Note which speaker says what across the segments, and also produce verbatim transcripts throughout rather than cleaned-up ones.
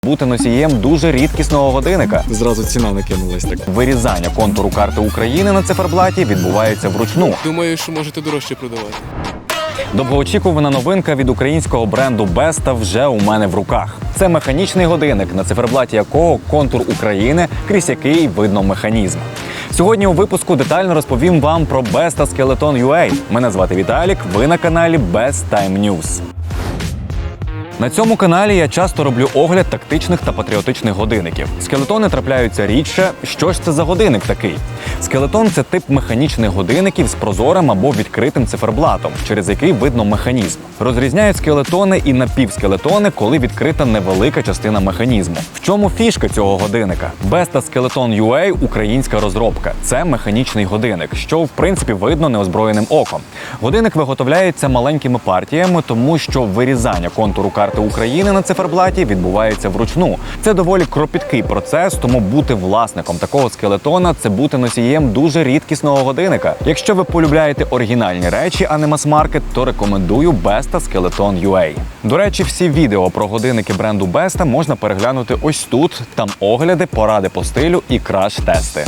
Speaker 1: бути носієм дуже рідкісного годинника.
Speaker 2: Зразу ціна накинулась так.
Speaker 1: Вирізання контуру карти України на циферблаті відбувається вручну.
Speaker 3: Думаю, що можете дорожче продавати.
Speaker 1: Довгоочікувана новинка від українського бренду Besta вже у мене в руках. Це механічний годинник, на циферблаті якого контур України, крізь який видно механізм. Сьогодні у випуску детально розповім вам про Besta Skeleton ю ей. Мене звати Віталік, ви на каналі Best Time News. На цьому каналі я часто роблю огляд тактичних та патріотичних годинників. Скелетони трапляються рідше. Що ж це за годинник такий? Скелетон – це тип механічних годинників з прозорим або відкритим циферблатом, через який видно механізм. Розрізняють скелетони і напівскелетони, коли відкрита невелика частина механізму. В чому фішка цього годинника? Besta Skeleton ю ей – українська розробка. Це механічний годинник, що в принципі видно неозброєним оком. Годинник виготовляється маленькими партіями, тому що вирізання контуру карти України на циферблаті відбувається вручну. Це доволі кропіткий процес, тому бути власником такого скелетона – це бути носієм дуже рідкісного годинника. Якщо ви полюбляєте оригінальні речі, а не мас-маркет, то рекомендую Besta Skeleton ю ей. До речі, всі відео про годинники бренду Besta можна переглянути ось тут. Там огляди, поради по стилю і краш-тести.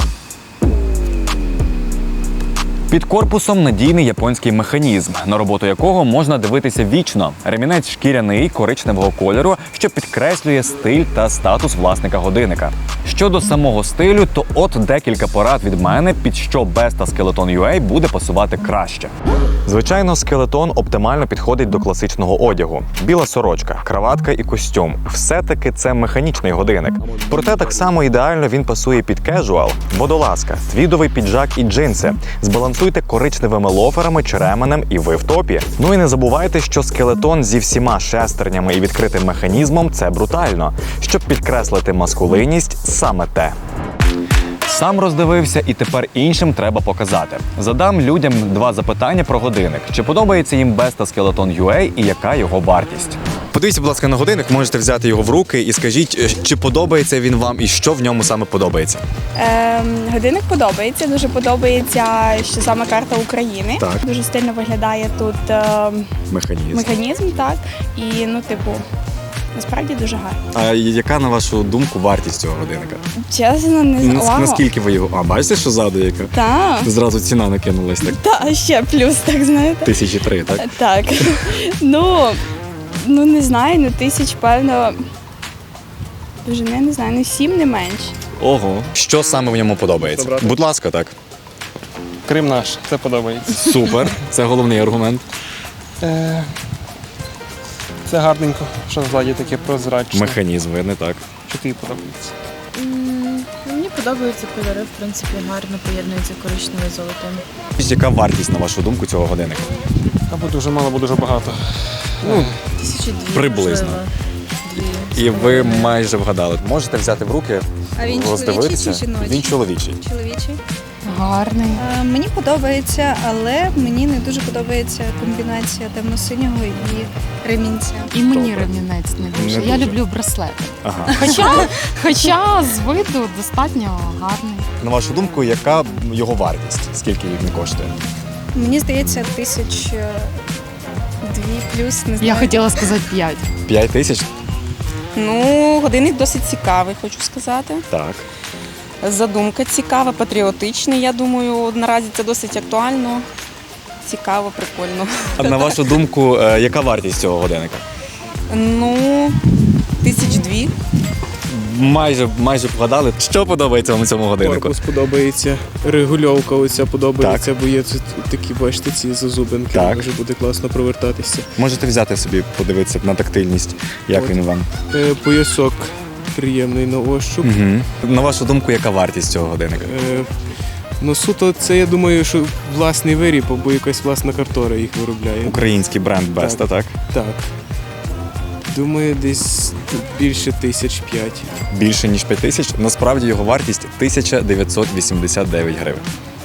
Speaker 1: Під корпусом надійний японський механізм, на роботу якого можна дивитися вічно. Ремінець шкіряний, коричневого кольору, що підкреслює стиль та статус власника годинника. Щодо самого стилю, то от декілька порад від мене, під що Besta Skeleton ю ей буде пасувати краще. Звичайно, скелетон оптимально підходить до класичного одягу. Біла сорочка, краватка і костюм. Все-таки це механічний годинник. Проте так само ідеально він пасує під кежуал, водолазка, твідовий піджак і джинси. Збалансуйте коричневими лоферами чи ременем і ви в топі. Ну і не забувайте, що скелетон зі всіма шестернями і відкритим механізмом – це брутально. Щоб підкреслити маскулинність – саме те. Сам роздивився і тепер іншим треба показати. Задам людям два запитання про годинник. Чи подобається їм Besta Skeleton ю ей і яка його вартість?
Speaker 2: Подивіться, будь ласка, на годинник, можете взяти його в руки і скажіть, чи подобається він вам і що в ньому саме подобається.
Speaker 4: Ем, годинник подобається, дуже подобається, що саме карта України.
Speaker 2: Так.
Speaker 4: Дуже стильно виглядає тут ем,
Speaker 2: Механізм.
Speaker 4: механізм, так. І, ну, типу, насправді дуже гарно.
Speaker 2: А яка, на вашу думку, вартість цього годинника?
Speaker 4: Чесно, не
Speaker 2: Нас-
Speaker 4: знаю.
Speaker 2: Наскільки ви його... А, бачите, що ззаду яка?
Speaker 4: Так.
Speaker 2: Зразу ціна накинулась так.
Speaker 4: Та, ще плюс, так, знаєте.
Speaker 2: Тисячі три, так?
Speaker 4: Так. ну, ну, не знаю, ну, тисяч, певно, дуже, не, не знаю, ну, сім, не менше.
Speaker 2: Ого. Що саме в ньому подобається?
Speaker 3: Добре.
Speaker 2: Будь ласка, так.
Speaker 3: Крим наш, це подобається.
Speaker 2: Супер. Це головний аргумент.
Speaker 3: Е, Це гарненько, що ззаді таке прозрачне.
Speaker 2: Механізм, видно, так.
Speaker 3: Що тобі подобається?
Speaker 5: М, Мені подобаються кольори, в принципі, гарно поєднуються коричневе з золотим.
Speaker 2: Яка вартість, на вашу думку, цього годинника?
Speaker 3: Або дуже мало, або дуже багато.
Speaker 2: Ну,
Speaker 5: Тисячі дві,
Speaker 2: Приблизно.
Speaker 5: можливо. Дві.
Speaker 2: і ви майже вгадали. Можете взяти в руки,
Speaker 6: А він
Speaker 2: роздивитися.
Speaker 6: чоловічий чи жіночий?
Speaker 2: Він чоловічий.
Speaker 6: Чоловічий.
Speaker 5: Гарний.
Speaker 6: Е, Мені подобається, але мені не дуже подобається комбінація темно-синього і ремінця.
Speaker 5: І мені
Speaker 2: Добре.
Speaker 5: ремінець не
Speaker 2: Не
Speaker 5: дуже. Я
Speaker 2: дуже.
Speaker 5: люблю браслети.
Speaker 2: Ага.
Speaker 5: Хоча, хоча з виду достатньо гарний.
Speaker 2: На вашу думку, яка його вартість? Скільки він коштує?
Speaker 6: Мені здається, тисяч е, дві плюс, не знаю.
Speaker 5: Я хотіла сказати п'ять.
Speaker 2: П'ять тисяч?
Speaker 7: Ну, годинник досить цікавий, хочу сказати.
Speaker 2: Так.
Speaker 7: Задумка цікава, патріотичний, я думаю, наразі це досить актуально. Цікаво, прикольно.
Speaker 2: А на вашу думку, е, яка вартість цього годинника?
Speaker 7: Ну, тисяч дві.
Speaker 2: Майже, майже вгадали. Що подобається вам у цьому годиннику?
Speaker 3: Корпус подобається, регульовка оця подобається, бо є тут такі, бачите, ці зазубинки,
Speaker 2: Так.
Speaker 3: може буде класно провертатися.
Speaker 2: Можете взяти собі, подивитися на тактильність, як
Speaker 3: От.
Speaker 2: він вам.
Speaker 3: Е, Поясок приємний на ощуп.
Speaker 2: Угу. На вашу думку, яка вартість цього годинника?
Speaker 3: Е, Ну, суто, це, я думаю, що власний виріб, або якась власна картора їх виробляє.
Speaker 2: Український бренд Besta, так?
Speaker 3: Так. Думаю, десь більше тисяч п'ять.
Speaker 2: Більше, ніж п'ять тисяч. Насправді його вартість тисяча дев'ятсот вісімдесят дев'ять гривень.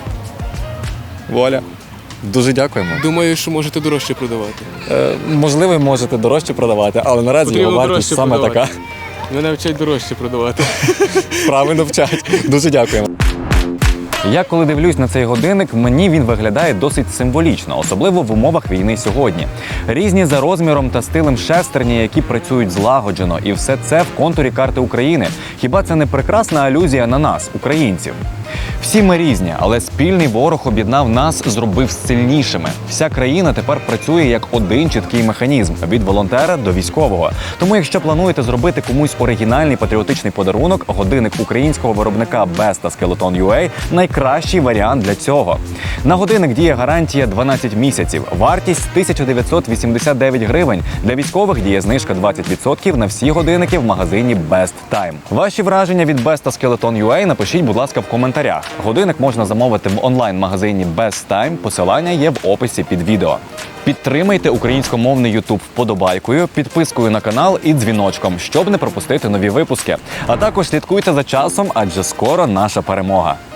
Speaker 2: Воля. Дуже дякуємо.
Speaker 3: Думаю, що можете дорожче продавати.
Speaker 2: Е, можливо, можете дорожче продавати, але наразі
Speaker 3: Потрібно
Speaker 2: його вартість
Speaker 3: дорожче
Speaker 2: саме
Speaker 3: продавати.
Speaker 2: така.
Speaker 3: Мене вчать дорожче продавати.
Speaker 2: Правильно вчать. Дуже дякуємо.
Speaker 1: Я коли дивлюсь на цей годинник, мені він виглядає досить символічно, особливо в умовах війни сьогодні. Різні за розміром та стилем шестерні, які працюють злагоджено, і все це в контурі карти України. Хіба це не прекрасна алюзія на нас, українців? Всі ми різні, але спільний ворог об'єднав нас, зробив сильнішими. Вся країна тепер працює як один чіткий механізм – від волонтера до військового. Тому, якщо плануєте зробити комусь оригінальний патріотичний подарунок, годинник українського виробника Besta Skeleton ю ей – найкращий варіант для цього. На годинник діє гарантія дванадцять місяців, вартість тисяча дев'ятсот вісімдесят дев'ять гривень. Для військових діє знижка двадцять відсотків на всі годинники в магазині Best Time. Ваші враження від Besta Skeleton ю ей напишіть, будь ласка, в коментарях. Годинник можна замовити в онлайн-магазині Best Time, посилання є в описі під відео. Підтримайте українськомовний YouTube вподобайкою, підпискою на канал і дзвіночком, щоб не пропустити нові випуски. А також слідкуйте за часом, адже скоро наша перемога.